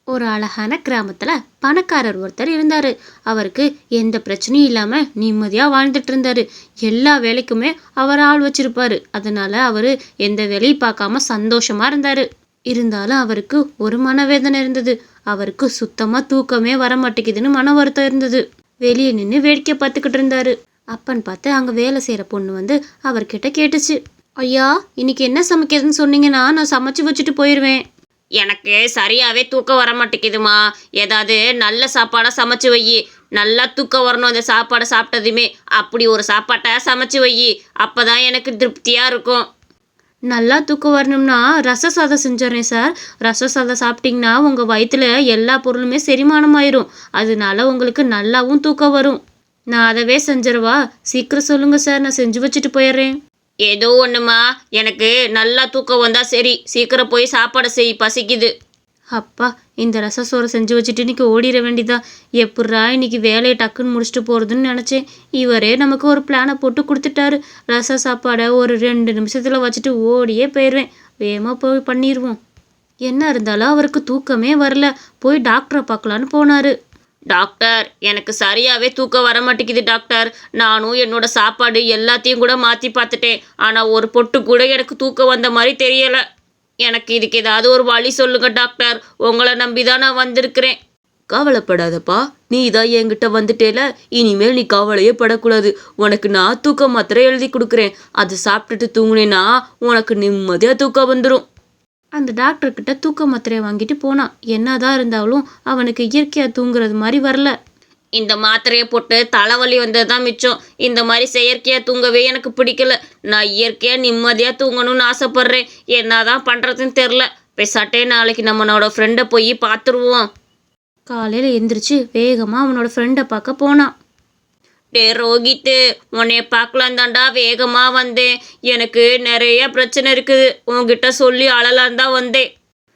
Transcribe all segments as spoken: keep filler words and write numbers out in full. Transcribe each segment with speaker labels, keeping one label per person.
Speaker 1: ஒரு அழகான கிராமத்துல பணக்காரர் ஒருத்தர் இருந்தாரு. அவருக்கு எந்த பிரச்சனையும் இல்லாம நிம்மதியா வாழ்ந்துட்டு இருந்தாரு. எல்லா வேலைக்குமே அவர் ஆள் வச்சிருப்பாரு. அதனால அவரு எந்த வேலையும் பார்க்காம சந்தோஷமா இருந்தாரு. இருந்தாலும் அவருக்கு ஒரு மனவேதனை இருந்தது. அவருக்கு சுத்தமா தூக்கமே வர மாட்டேங்குதுன்னு மன வருத்தம் இருந்தது. வெளியே நின்று வேடிக்கை பார்த்துக்கிட்டு இருந்தாரு. அப்பன்னு பார்த்து அங்க வேலை செய்யற பொண்ணு வந்து அவர்கிட்ட கேட்டுச்சு, ஐயா, இன்னைக்கு என்ன சமைக்கிறதுன்னு சொன்னீங்கன்னா நான் சமைச்சு வச்சுட்டு போயிடுவேன். எனக்கு சரியாவே தூக்கம் வர மாட்டேங்குதுமா. ஏதாவது நல்ல சாப்பாடா சமைச்சு வை. நல்லா தூக்கம் வரணும் அந்த சாப்பாடை சாப்பிட்டதுமே. அப்படி ஒரு சாப்பாட்டை சமைச்சு வை. அப்பதான் எனக்கு திருப்தியா இருக்கும். நல்லா தூக்கம் வரணும்னா ரச சாதம் செஞ்சிடறேன் சார். ரச சாதம் சாப்பிட்டீங்கன்னா உங்க வயிற்றுல எல்லா பொருளுமே செரிமானம் ஆயிரும். அதனால உங்களுக்கு நல்லாவும் தூக்கம் வரும். நான் அதவே செஞ்சிடவா? சீக்கிரம் சொல்லுங்க சார், நான் செஞ்சு வச்சுட்டு போயிடுறேன். ஏதோ ஒன்றுமா, எனக்கு நல்லா தூக்கம் வந்தா சரி. சீக்கிரம் போய் சாப்பாடை செய், பசிக்குது. அப்பா, இந்த ரச சோறை செஞ்சு வச்சுட்டு இன்னைக்கு ஓடிட வேண்டியதா. எப்பட்றா இன்னைக்கு வேலையை டக்குன்னு முடிச்சுட்டு போகிறதுன்னு நினச்சேன். இவரே நமக்கு ஒரு பிளானை போட்டு கொடுத்துட்டாரு. ரச சாப்பாடை ஒரு ரெண்டு நிமிஷத்தில் வச்சுட்டு ஓடியே போயிடுவேன். வேகமாக போய் பண்ணிடுவோம். என்ன இருந்தாலும் அவருக்கு தூக்கமே வரல. போய் டாக்டரை பார்க்கலான்னு போனார். டாக்டர், எனக்கு சரியாகவே தூக்கம் வர மாட்டேங்குது டாக்டர். நானும் என்னோட சாப்பாடு எல்லாத்தையும் கூட மாற்றி பார்த்துட்டேன். ஆனால் ஒரு பொட்டு கூட எனக்கு தூக்கம் வந்த மாதிரி தெரியலை. எனக்கு இதுக்கு ஏதாவது ஒரு வழி சொல்லுங்க டாக்டர். உங்களை நம்பி தான் நான் வந்திருக்கிறேன்.
Speaker 2: கவலைப்படாதப்பா, நீ தான் என்கிட்ட வந்துட்டேல. இனிமேல் நீ கவலையே படக்கூடாது. உனக்கு நான் தூக்க மாத்திரை எழுதி கொடுக்குறேன். அதை சாப்பிட்டுட்டு தூங்குனேன்னா உனக்கு நிம்மதியாக தூக்கம் வந்துடும்.
Speaker 1: அந்த டாக்டர்கிட்ட தூக்க மாத்திரையை வாங்கிட்டு போனான். என்னதான் இருந்தாலும் அவனுக்கு இயற்கையாக தூங்குறது மாதிரி வரல.
Speaker 2: இந்த மாத்திரையை போட்டு தலைவலி வந்தது தான் மிச்சம். இந்த மாதிரி செயற்கையாக தூங்கவே எனக்கு பிடிக்கல. நான் இயற்கையாக நிம்மதியாக தூங்கணும்னு ஆசைப்பட்றேன். என்னதான் பண்ணுறதுன்னு தெரில. பேசாட்டே நாளைக்கு நம்மளோட ஃப்ரெண்டை போய் பார்த்துருவோம்.
Speaker 1: காலையில் எந்திரிச்சு வேகமாக அவனோட ஃப்ரெண்டை பார்க்க போனான்.
Speaker 2: டே ரோஹித்து, உன்னைய பார்க்கலாம் தாண்டா வேகமாக வந்தேன். எனக்கு நிறைய பிரச்சனை இருக்குது. உன்கிட்ட சொல்லி அழலான் தான் வந்தேன்.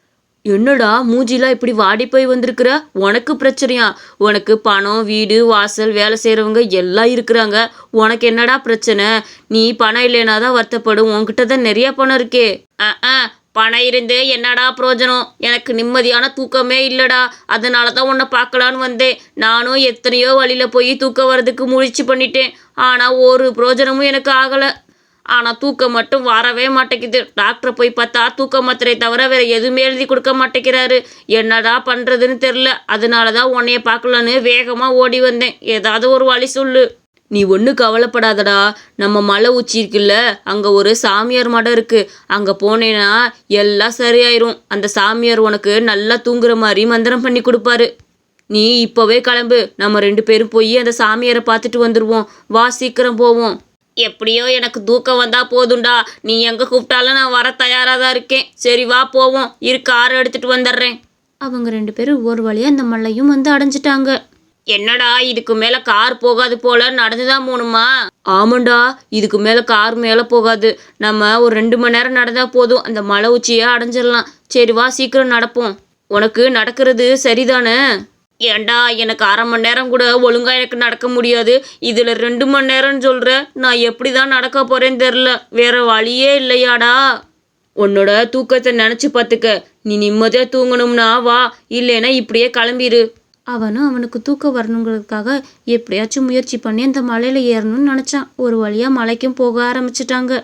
Speaker 2: என்னடா மூஞ்சிலாம் இப்படி வாடி போய் வந்திருக்கிற? உனக்கு பிரச்சனையா? உனக்கு பணம், வீடு, வாசல், வேலை செய்கிறவங்க எல்லாம் இருக்கிறாங்க. உனக்கு என்னடா பிரச்சனை? நீ பணம் இல்லைனா தான் வருத்தப்படும். உன்கிட்ட தான் நிறைய பணம் இருக்கே. ஆ ஆ பணம் இருந்து என்னடா பிரயோஜனம்? எனக்கு நிம்மதியான தூக்கமே இல்லைடா. அதனால தான் உன்னை பார்க்கலான்னு வந்தேன். நானும் எத்தனையோ வழியில் போய் தூக்கம் வர்றதுக்கு முயற்சி பண்ணிட்டேன். ஆனால் ஒரு பிரயோஜனமும் எனக்கு ஆகலை. ஆனால் தூக்கம் மட்டும் வரவே மாட்டேங்குது. டாக்டரை போய் பார்த்தா தூக்க மாத்திரை தவிர வேறு எதுவுமே எழுதி கொடுக்க மாட்டேங்கிறாரு. என்னடா பண்ணுறதுன்னு தெரில. அதனால தான் உன்னைய பார்க்கலான்னு வேகமாக ஓடி வந்தேன். ஏதாவது ஒரு வழி சொல்லு. நீ ஒன்றும் கவலைப்படாதடா. நம்ம மலை உச்சி இருக்குல்ல, அங்கே ஒரு சாமியார் மடம் இருக்குது. அங்கே போனேன்னா எல்லாம் சரியாயிரும். அந்த சாமியார் உனக்கு நல்லா தூங்குற மாதிரி மந்திரம் பண்ணி கொடுப்பாரு. நீ இப்போவே கிளம்பு. நம்ம ரெண்டு பேரும் போய் அந்த சாமியாரை பார்த்துட்டு வந்துடுவோம். வா, சீக்கிரம் போவோம். எப்படியோ எனக்கு தூக்கம் வந்தால் போதும்டா. நீ எங்கே கூப்பிட்டாலும் நான் வர தயாராக தான் இருக்கேன். சரி வா போவோம். இரு, காரை எடுத்துகிட்டு வந்துடுறேன்.
Speaker 1: அவங்க ரெண்டு பேரும் ஒரு வழியாக அந்த மலையும் வந்து அடைஞ்சிட்டாங்க.
Speaker 2: என்னடா, இதுக்கு மேலே கார் போகாது போல, நடந்துதான் போகணுமா? ஆமாண்டா, இதுக்கு மேலே கார் மேலே போகாது. நம்ம ஒரு ரெண்டு மணி நேரம் நடந்தால் போதும். அந்த மலை உச்சியை அடைஞ்சிடலாம். சரி வா, சீக்கிரம் நடப்போம். உனக்கு நடக்கிறது சரிதானே? ஏண்டா, எனக்கு அரை மணி நேரம் கூட ஒழுங்காக எனக்கு நடக்க முடியாது. இதில் ரெண்டு மணி நேரம்னு சொல்கிற. நான் எப்படி தான் நடக்க போகிறேன்னு தெரில. வேற வழியே இல்லையாடா? உன்னோட தூக்கத்தை நினச்சி பார்த்துக்க. நீ நிம்மதியாக தூங்கணும்னா வா, இல்லைன்னா இப்படியே கிளம்பிடு.
Speaker 1: அவனும் அவனுக்கு தூக்கம் வரணுங்கிறதுக்காக எப்படியாச்சும் முயற்சி பண்ணி அந்த மலையில் ஏறணும்னு நினச்சான். ஒரு வழியாக மலைக்கும் போக ஆரம்பிச்சிட்டாங்க.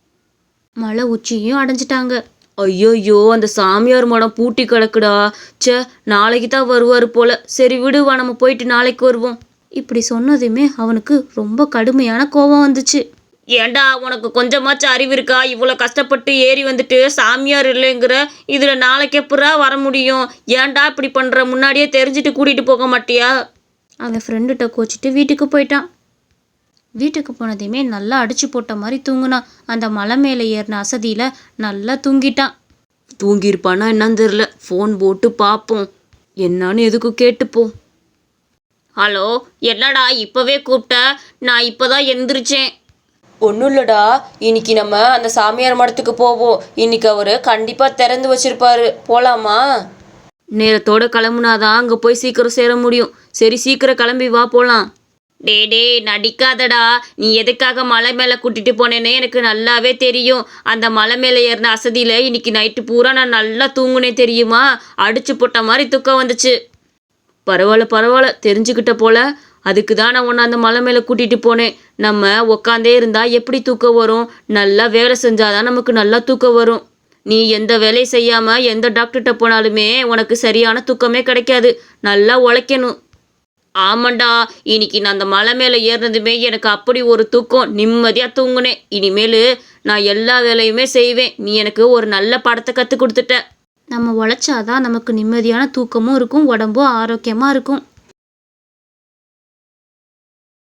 Speaker 1: மலை உச்சியும் அடைஞ்சிட்டாங்க.
Speaker 2: ஐயோயோ, அந்த சாமியார் மடம் பூட்டி கிடக்குடா. சே, நாளைக்கு தான் வருவார் போல. சரி விடுவா, நம்ம போயிட்டு நாளைக்கு வருவோம்.
Speaker 1: இப்படி சொன்னதுமே அவனுக்கு ரொம்ப கடுமையான கோபம் வந்துச்சு.
Speaker 2: ஏண்டா, உனக்கு கொஞ்சமாச்சும் அறிவு இருக்கா? இவ்வளோ கஷ்டப்பட்டு ஏறி வந்துட்டு சாமியார் இல்லைங்கிற. இதில் நாளைக்கு எப்படா வர முடியும்? ஏன்டா இப்படி பண்ணுற? முன்னாடியே தெரிஞ்சுட்டு கூட்டிகிட்டு போக மாட்டியா?
Speaker 1: அவன் ஃப்ரெண்டுகிட்ட கோச்சிட்டு வீட்டுக்கு போயிட்டான். வீட்டுக்கு போனதையுமே நல்லா அடிச்சு போட்ட மாதிரி தூங்கினான். அந்த மலை மேலே ஏறின அசதியில் நல்லா தூங்கிட்டான்.
Speaker 2: தூங்கியிருப்பானா என்னன்னு தெரில. ஃபோன் போட்டு பார்ப்போம். என்னான்னு எதுக்கும் கேட்டுப்போம். ஹலோ, என்னடா இப்போவே கூப்பிட்ட? நான் இப்போ தான் எந்திரிச்சேன். ஒன்றும் இல்லைடா, இன்னைக்கு நம்ம அந்த சாமியார் மடத்துக்கு போவோம். இன்னைக்கு அவர் கண்டிப்பாக திறந்து வச்சிருப்பாரு. போகலாமா? நேரத்தோட கிளம்புனாதான் அங்கே போய் சீக்கிரம் சேர முடியும். சரி, சீக்கிரம் கிளம்பி வா, போகலாம். டே டே நடிக்காதடா. நீ எதுக்காக மலை மேலே கூட்டிட்டு போனேன்னு எனக்கு நல்லாவே தெரியும். அந்த மலை மேலே ஏறின அசதியில் இன்னைக்கு நைட்டு பூரா நான் நல்லா தூங்குனேன் தெரியுமா? அடிச்சு போட்ட மாதிரி தூக்கம் வந்துச்சு. பரவாயில்ல பரவாயில்ல, தெரிஞ்சுக்கிட்ட போல. அதுக்கு தான் நான் உன்னை அந்த மலை மேலே கூட்டிகிட்டு போனேன். நம்ம உக்காந்தே இருந்தால் எப்படி தூக்கம் வரும்? நல்லா வேலை செஞ்சாதான் நமக்கு நல்லா தூக்கம் வரும். நீ எந்த வேலையும் செய்யாமல் எந்த டாக்டர்கிட்ட போனாலுமே உனக்கு சரியான தூக்கமே கிடைக்காது. நல்லா உழைக்கணும். ஆமாண்டா, இன்னைக்கு நான் அந்த மலை மேலே ஏறினதுமே எனக்கு அப்படி ஒரு தூக்கம், நிம்மதியாக தூங்குனேன். இனிமேல் நான் எல்லா வேலையுமே செய்வேன். நீ எனக்கு ஒரு நல்ல படத்தை கற்றுக் கொடுத்துட்ட.
Speaker 1: நம்ம உழைச்சாதான் நமக்கு நிம்மதியான தூக்கமும் இருக்கும், உடம்பும் ஆரோக்கியமாக இருக்கும்.